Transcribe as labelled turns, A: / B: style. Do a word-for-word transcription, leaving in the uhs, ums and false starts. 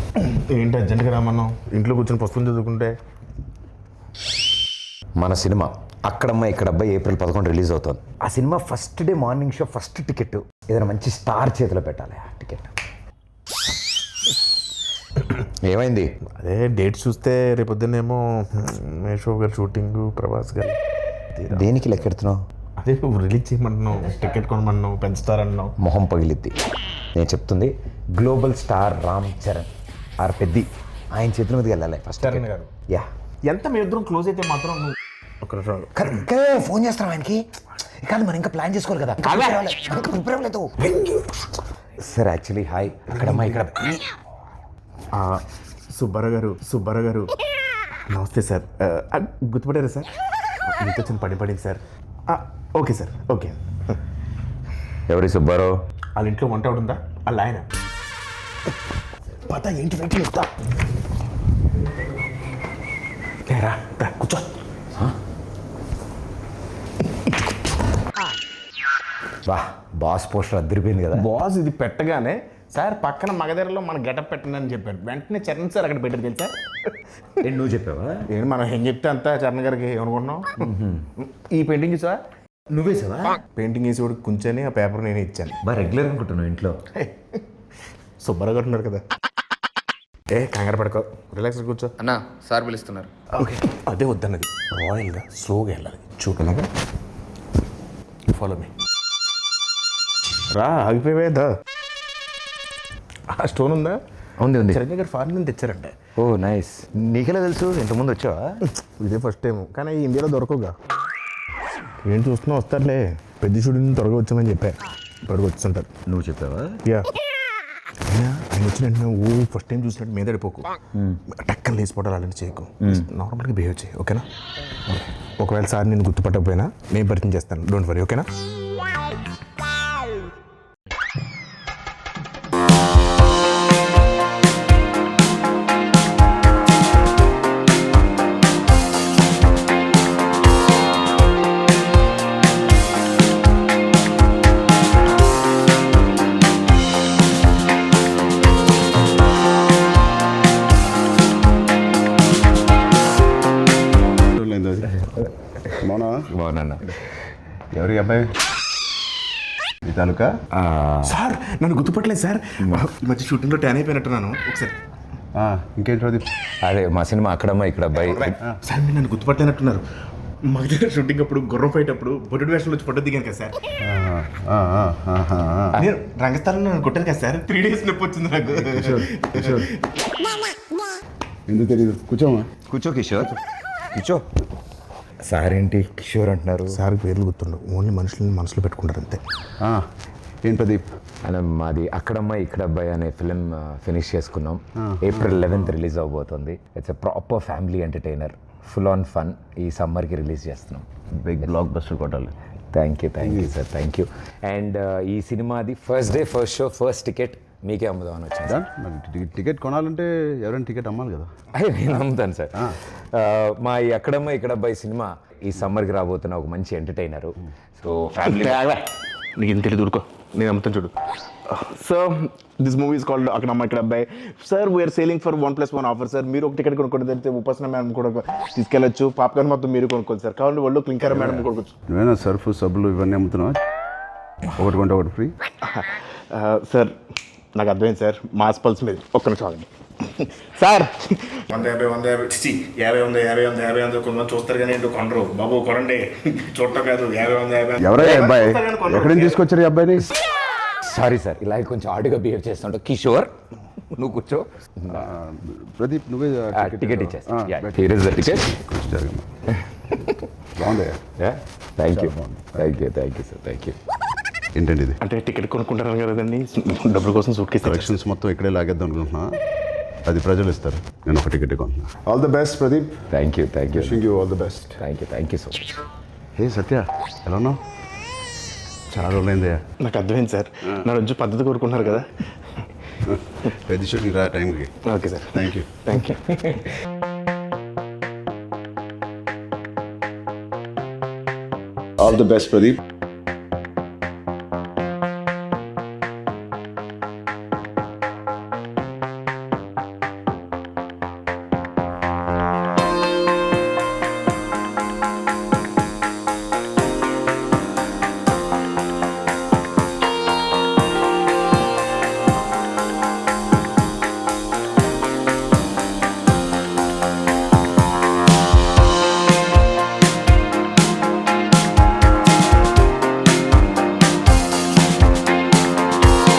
A: ఏంటి అర్జెంట్గా రామన్నావు? ఇంట్లో కూర్చొని పుస్తకం చదువుకుంటే.
B: మన సినిమా అక్కడమ్మ ఇక్కడబ్బా ఏప్రిల్ పదకొండు రిలీజ్ అవుతుంది. ఆ cinema first day morning show first ticket ఏదైనా మంచి స్టార్ చేతిలో పెట్టాలి. ఆ టికెట్ ఏమైంది?
A: అదే డేట్ చూస్తే రేపొద్దునేమో మేషో గారు షూటింగ్, ప్రభాస్ గారు.
B: దేనికి లెక్కెడుతున్నావు?
A: అదే నువ్వు రిలీజ్ చేయమంటున్నావు, టికెట్ కొనమన్నావు, పెంచుతారన్నావు.
B: మొహం పగిలిద్ది. నేను చెప్తుంది global star Ram Charan R Peddi ఆయన చేతుల మీదకి వెళ్ళాలి ఫస్ట్.
A: చరణ్ గారు
B: యా
A: ఎంత మీ ఇద్దరం క్లోజ్ అయితే మాత్రం నువ్వు ఒక
B: కరెక్ట్ ఫోన్ చేస్తాం ఆయనకి. కాదు మనం ఇంకా ప్లాన్ చేసుకోవాలి కదా. ప్రిపేర్ అవ్వలేదు సార్. యాక్చువల్లీ హాయ్ అక్కడమ్మా ఇక్కడ
A: సుబ్బారావు గారు సుబ్బారావు గారు నమస్తే సార్. గుర్తుపడారా సార్? మీతో చిన్న పని పడింది సార్. Okay sir okay.
B: ఎవరి సుబ్బారావు?
A: వాళ్ళ ఇంట్లో వంట ఉందా? వాళ్ళ ఆయన పత ఏంటి వెయిట్ చేస్తా రా కూర్చో.
B: వా బాస్ పోస్టర్ అద్దరిపోయింది కదా.
A: బాస్ ఇది పెట్టగానే సార్ పక్కన మగధరలో మన గెటప్ పెట్టండి అని చెప్పాడు. వెంటనే చరణ్ సార్ అక్కడ పెట్టారు తెలుసా?
B: ఏంటి నువ్వు చెప్పావా?
A: ఏంటి మనం ఏం చెప్తే అంతా చరణ్ గారికి ఏమనుకుంటున్నాం. ఈ పెయింటింగ్ చూసా?
B: నువ్వే సావా?
A: పెయింటింగ్ వేసి కూడా కూర్చొని ఆ పేపర్ నేనే ఇచ్చాను.
B: బాగా రెగ్యులర్ అనుకుంటున్నావు ఇంట్లో.
A: సుబ్బారావు గారు ఉన్నారు కదా. ఏ కంగారు పడుకో, రిలాక్స్ కూర్చో.
C: అన్నా సార్ పిలుస్తున్నారు.
A: ఓకే అదే వద్దన్నది. రాయల్గా స్లోగా వెళ్ళాలి. చూడలాగా ఫాలో మీ. రా ఆగిపోయేదా? ఆ స్టోన్ ఉందా?
B: ఉంది ఉంది.
A: చిరంజీవి గారు ఫారెన్ నుంచి తెచ్చారంటే.
B: ఓ నైస్. నీకెలా తెలుసు? ఇంతకుముందు వచ్చావా?
A: ఇదే ఫస్ట్ టైం, కానీ ఇండియాలో దొరకవుగా. ఏం చూస్తున్నా వస్తారులే. పెద్ద షూటింగ్ త్వరగా వచ్చామని చెప్పా. త్వరగా వచ్చుంటారు.
B: నువ్వు చెప్పావా?
A: యా ఆయన వచ్చిన వెంటనే ఓ ఫస్ట్ టైం చూసినట్టు మీద పడిపోకు. టక్కన లేచిపోవడాలు అలాంటి చేయకు. నార్మల్గా బిహేవ్ చేయి ఓకేనా? ఒకవేళ సార్ నేను గుర్తుపట్టకపోయినా నేను పరిచయం చేస్తాను. డోంట్ వరీ ఓకేనా?
B: బాగున్నా.
D: ఎవరి అబ్బాయి? ఈ తాలూకా
A: సార్ నన్ను గుర్తుపట్టలేదు సార్. ఈ మధ్య షూటింగ్లో ట్యాన్ అయిపోయినట్టున్నాను. ఒకసారి
D: ఇంకేంటి ప్రదీప్?
B: అదే మా సినిమా అక్కడమ్మా ఇక్కడ అబ్బాయి.
A: సార్ మీరు నన్ను గుర్తుపట్టలేనట్టున్నారు. మా దగ్గర షూటింగ్ అప్పుడు గుర్రం ఫైట్ అప్పుడు బొడ్డు వేషంలో వచ్చి ఫోటో దిగాను కదా సార్. నేను రంగస్థలంలో నన్ను కొట్టాను కదా సార్. త్రీ డేస్ నొప్పి వచ్చింది నాకు.
D: ఎందుకు తెలియదు? కూర్చోమా.
B: కూర్చో కిషోర్ కూర్చో. సార్ ఏంటి కిషోర్ అంటున్నారు?
A: సార్ పేర్లు గుర్తుండవు, ఓన్లీ మనుషులని మనసులో పెట్టుకుంటారు అంతే.
D: ఏం ప్రదీప్?
B: అలా మాది అక్కడమ్మ ఇక్కడ అబ్బాయి అనే ఫిలిం ఫినిష్ చేసుకున్నాం. ఏప్రిల్ లెవెన్త్ రిలీజ్ అవబోతుంది. It's a proper family entertainer, full on fun. ఈ సమ్మర్కి రిలీజ్ చేస్తున్నాం.
D: బిగ్ బ్లాక్ బస్టర్ కొట్టాలి.
B: Thank you thank you sir thank you. And ఈ సినిమాది first day first show first ticket మీకే అమ్ముదామని వచ్చింది.
D: టికెట్ కొనాలంటే ఎవరైనా టికెట్ అమ్మాలి కదా.
B: అదే నేను అమ్ముతాను సార్. మా ఈ అక్కడమ్మ ఇక్కడ అబ్బాయి సినిమా ఈ సమ్మర్కి రాబోతున్న ఒక మంచి ఎంటర్టైనరు. సో ఫ్యామిలీ
A: నీకు ఏం తెలియదు ఊరుకో, నేను అమ్ముతాను చూడు. So this movie is called అక్కడమ్మ ఇక్కడ అబ్బాయి. Sir we are selling for one plus one offer sir. మీరు ఒక టికెట్ కొనుక్కోండి, తెలిస్తే ఉపాసన మేడం కూడా తీసుకెళ్ళచ్చు. పాప్కార్న్ మొత్తం మీరు కొనుక్కోండి సార్. కావాలి వాళ్ళు క్లింకర్ మేడం కొనుక్కోవచ్చు.
D: నువ్వేనా సర్ఫ్ సబ్బులు ఇవన్నీ అమ్ముతున్నావా? ఒకటి కొంటే ఒకటి ఫ్రీ.
A: సార్ నాకు అర్థమైంది సార్, మాస్ పల్స్ మీద ఒక్క నిమిషం ఆగండి సార్. వంద యాభై వంద యాభై చి యాభై వంద యాభై వంద యాభై వంద కొంతమంది చూస్తారు కానీ ఏంటో కొనరు బాబు. కొనండి, చూడటం కాదు. యాభై వంద యాభై
D: ఎవరై అబ్బాయి? ఎక్కడి నుంచి తీసుకొచ్చారు ఈ అబ్బాయిని?
B: సారీ సార్, ఇలా కొంచెం ఆడుగా బిహేవ్ చేస్తుంటా. కిషోర్ నువ్వు కూర్చో.
D: ప్రదీప్ నువ్వే
B: టికెట్ ఇచ్చేస్తా. Here is the ticket.
D: బాగుంది.
B: Thank you thank you thank you sir thank you.
D: ఏంటండి ఇది?
A: అంటే టికెట్ కొనుక్కుంటారు కదండి, డబ్బుల కోసం సూట్ కేసు
D: కలెక్షన్స్ మొత్తం ఇక్కడే లాగేద్దాం అనుకుంటున్నా. అది ప్రజలు ఇస్తారు. నేను ఒక టికెట్ కొంటున్నా. All the best Pradeep.
B: Thank you thank you
D: wishing you all the best.
B: Thank you thank you so much.
D: Hey Satya, ఎలా ఉన్నావు? చాలా రోజులైందయ్యా.
A: నాకు అర్థమైంది సార్, నా రోజు పద్ధతి కోరుకుంటున్నారు కదా.
D: పెద్ద షూటింగ్ రా టైంకి.
A: Okay sir.
D: Thank you
A: thank you.
D: All the best Pradeep.